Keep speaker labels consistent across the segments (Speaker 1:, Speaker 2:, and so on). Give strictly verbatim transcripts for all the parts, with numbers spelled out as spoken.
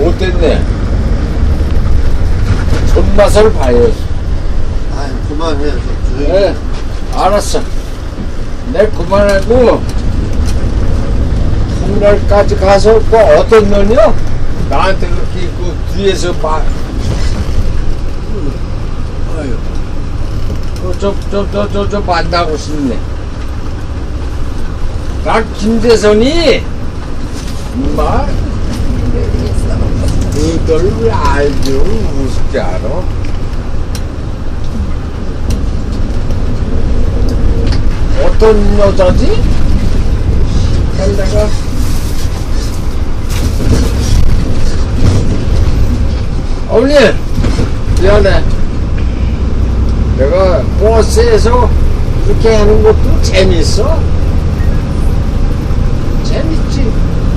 Speaker 1: 못됐네. 손맛을 봐야지.
Speaker 2: 아유, 그만해. 좀 조용히.
Speaker 1: 네, 알았어. 내 그만하고 홍날까지 가서 그 어떤 놈이요? 나한테 그렇게 그 뒤에서 막 아유 저 저 저 저 저 만나고 싶네. 나 김대선이 막 그들 아주 무섭지 않아? 어떤 여자지? 내가 어머니 미안해. 내가 버스에서 이렇게 하는 것도 재밌어. 재밌지.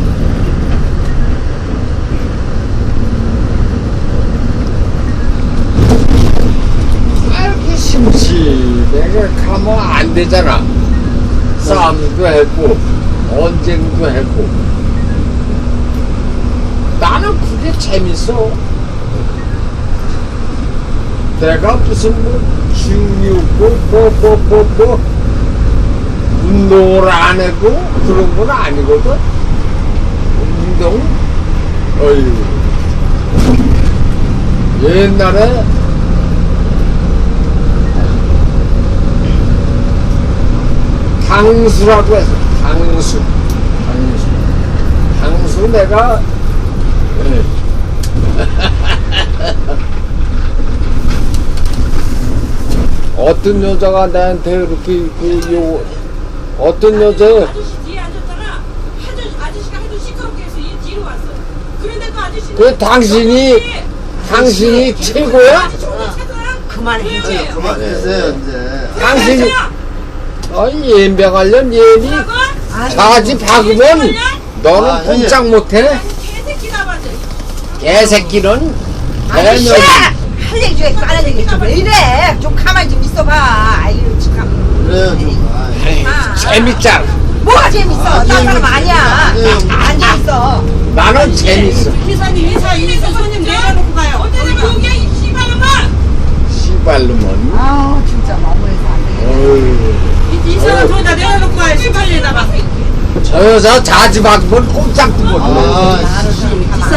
Speaker 1: 아, 이렇게 심심해가 가면 안 되잖아. 싸움도 했고 언쟁도 했고. 나는 그게 재밌어. 내가 무슨 뭐 기운이 없고 뭐뭐뭐뭐 운동을 안 하고 그런 건 아니거든. 운동? 어휴. 옛날에 당수라고 해서 당수 당수 당수 내가 예. 어떤 여자가 나한테 이렇게 그 요 어떤 여자
Speaker 3: 아저씨 뒤에 앉았잖아. 아저씨, 아저씨가 하도 시끄럽게 해서 이 뒤로 왔어. 그런데도 아저씨는
Speaker 1: 그 당신이 당신이 최고야?
Speaker 3: 그만해
Speaker 4: 이제.
Speaker 2: 그만하세요, 이제.
Speaker 1: 당신이 아이 연병하려면 얘니 자지 박으면 너는
Speaker 2: 아,
Speaker 1: 꼼짝 못해.
Speaker 3: 개새끼다 맞아.
Speaker 1: 개새끼는
Speaker 4: 아저씨!
Speaker 1: 대녀
Speaker 4: 할 얘기 중에 까는 얘기 좀왜 이래? 좀 가만히 좀 있어봐. 아유, 참.
Speaker 2: 그래요, 좀. 아유.
Speaker 4: 아,
Speaker 1: 재밌잖아.
Speaker 4: 뭐가 재밌어?
Speaker 2: 아,
Speaker 4: 딴 사람 아니야.
Speaker 2: 아니에요.
Speaker 4: 안 재밌어.
Speaker 1: 나는 재밌어.
Speaker 3: 기사님 회사 있는 손님 내려놓고 가요. 어쩌면 여기야 이 씨발놈아.
Speaker 1: 씨발놈은
Speaker 4: 아우, 진짜 너무해서 안 돼.
Speaker 1: 어휴.
Speaker 3: 이, 이 사람 저기다 내려놓고 가요. 씨발리에다가.
Speaker 1: 저 여자 자지 박으면 꼼짝도 못해.
Speaker 2: 아,
Speaker 4: 나는 좀 가만